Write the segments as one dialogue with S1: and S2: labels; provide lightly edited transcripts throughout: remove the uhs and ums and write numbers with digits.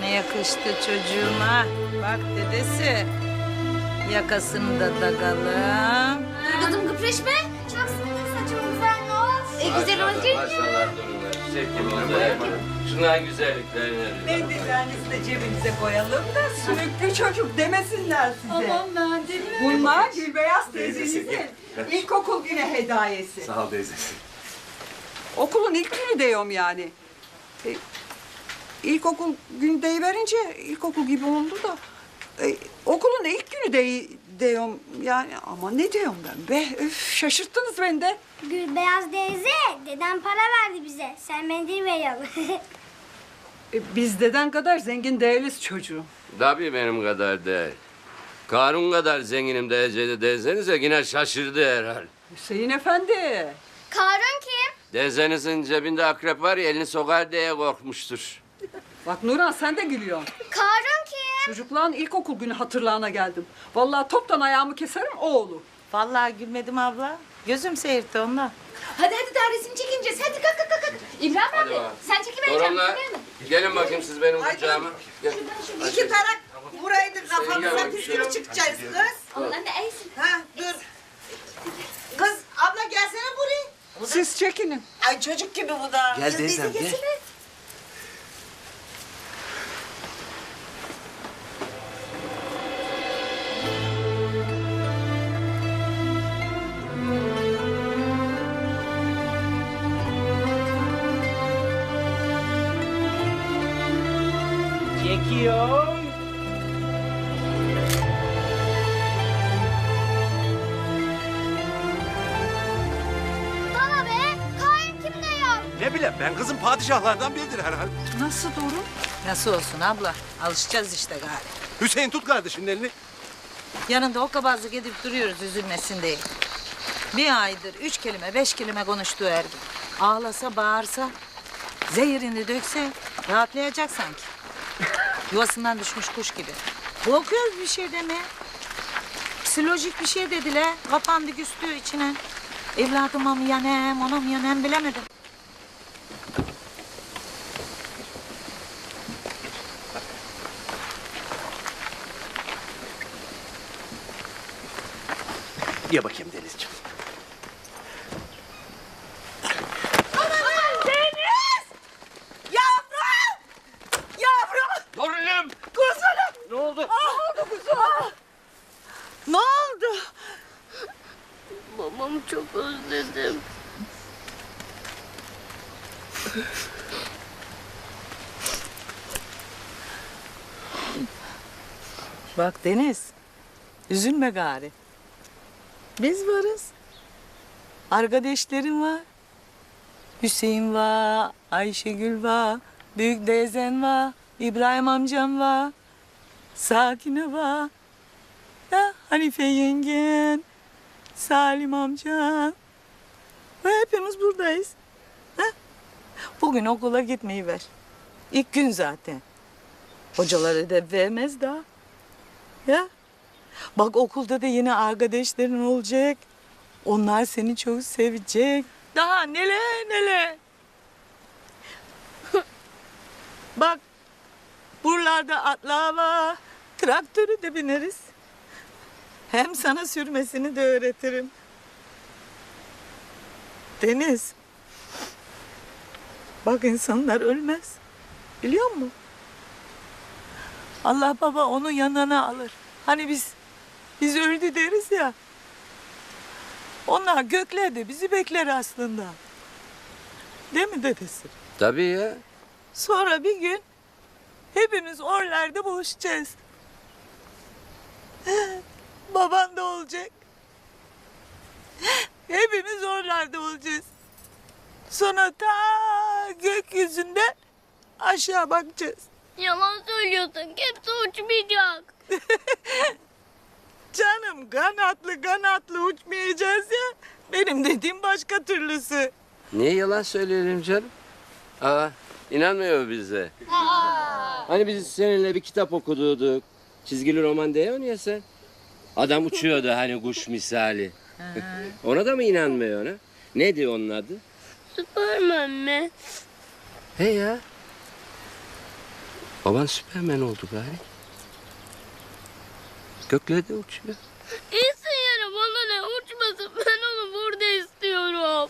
S1: ne yakıştı çocuğuma. Bak dedesi. Yakasını da takalım.
S2: Dur kızım kıpreşme. Çok sıkı saçım güzel ne olsun. Güzel olacak mı?
S3: Maşallah durumlar. Çiçek gibi oldu. Şunların güzelliklerine.
S4: Mendillerinizi de cebinize koyalım da sümüklü çocuk demesinler size.
S2: Aman ben değil mi?
S4: Bunlar Gülbeyaz teyzenizin ilkokul günü hediyesi.
S5: Sağ ol teyzesi.
S4: Okulun ilk günü diyorum yani. İlkokul günü deyiverince ilkokul gibi oldu da. Okulun ilk günü diyorum yani ama ne diyorum ben be? Öf, şaşırttınız beni de.
S2: Gülbeyaz teyze, dedem para verdi bize. Sen mendil ver yavrum.
S4: Biz deden kadar zengin değiliz çocuğum.
S3: Tabii benim kadar değil. Karun kadar zenginim diyeceği desenize yine şaşırdı herhal.
S4: Hüseyin Efendi.
S2: Karun kim?
S3: Dezenizin cebinde akrep var ya elini sokar diye korkmuştur.
S4: Bak Nurhan sen de gülüyorsun.
S2: Karun kim?
S4: Çocukların ilkokul günü hatırlarına geldim. Vallahi toptan ayağımı keserim o olur.
S1: Vallahi gülmedim abla. Gözüm seyirtti onunla.
S6: Hadi daha resim çekileceğiz. Hadi kalk. İbrahim abi
S3: bakalım.
S6: sen çekivereceksin.
S3: Torunlar gelin bakayım siz benim kucağıma. Gel.
S7: İki tarak buraydı
S3: gel
S7: kafamıza
S3: bakayım,
S7: püskürü
S3: şöyle.
S7: çıkacağız kız.
S6: Allah'ın da eysin.
S7: Ha dur. Kız abla gelsene buraya.
S4: Siz çekinin.
S7: Ay çocuk gibi bu da.
S5: Gel teyzem gel.
S1: Çekiyorum.
S2: Bana be, Karun kim diyor?
S5: Ne bileyim ben kızım padişahlardan biridir herhal.
S4: Nasıl durum?
S1: Nasıl olsun abla? Alışacağız işte gari.
S5: Hüseyin tut kardeşinin elini.
S1: Yanında o kabazlık edip duruyoruz üzülmesin diye. Bir aydır 3 kelime 5 kelime konuştuğu her gün. Ağlasa bağırsa, zehirini dökse rahatlayacak sanki. Yuvasından düşmüş kuş gibi. Korkuyoruz bir şey demeye. Psikolojik bir şey dediler. Kapandı küstü içine. Evladıma mı yanem, ona mı yanem bilemedim.
S5: Ye bakayım Denizciğim.
S3: Torunum. Ne oldu?
S1: Ne oldu?
S2: Babamı çok özledim.
S1: Bak Deniz, üzülme gari. Biz varız. Arkadaşlarım var. Hüseyin var, Ayşegül var, büyük teyzen var, İbrahim amcam var, Sakine var. Ya Hanife yengen, Salim amcan. Ve hepimiz buradayız. Ha? Bugün okula gitmeyi ver. İlk gün zaten. Hocalar ödev vermez daha. Ya. Bak okulda da yine arkadaşların olacak. Onlar seni çok sevecek. Daha neler. Bak buralarda atlar var. Traktörü de bineriz. Hem sana sürmesini de öğretirim. Deniz. Bak insanlar ölmez. Biliyor musun? Allah baba onu yanına alır. Hani biz öldü deriz ya. Onlar göklerde bizi bekler aslında. Değil mi dedesi?
S3: Tabii ya.
S1: Sonra bir gün hepimiz oralarda buluşacağız. Baban da olacak. Hepimiz oralarda olacağız. Sonra ta gökyüzünden aşağı bakacağız.
S2: Yalan söylüyorsun. Kimse uçmayacak.
S1: Canım kanatlı uçmayacağız ya. Benim dediğim başka türlüsü.
S3: Niye yalan söyleyelim canım? Aa, inanmıyor bize. Hani biz seninle bir kitap okuduk. Çizgili roman diyor ya sen. Adam uçuyordu hani kuş misali. Ona da mı inanmıyor ona? Ne diyor onun adı?
S2: Süpermen mi?
S3: He ya. Baban Süpermen oldu gari. Göklerde uçuyor.
S2: İyisin yere bana ne uçmasın. Ben onu burada istiyorum.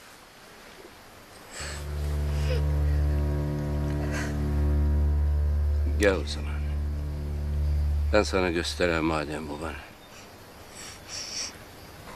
S3: Gel o zaman. Ben sana göstereyim madem babanı.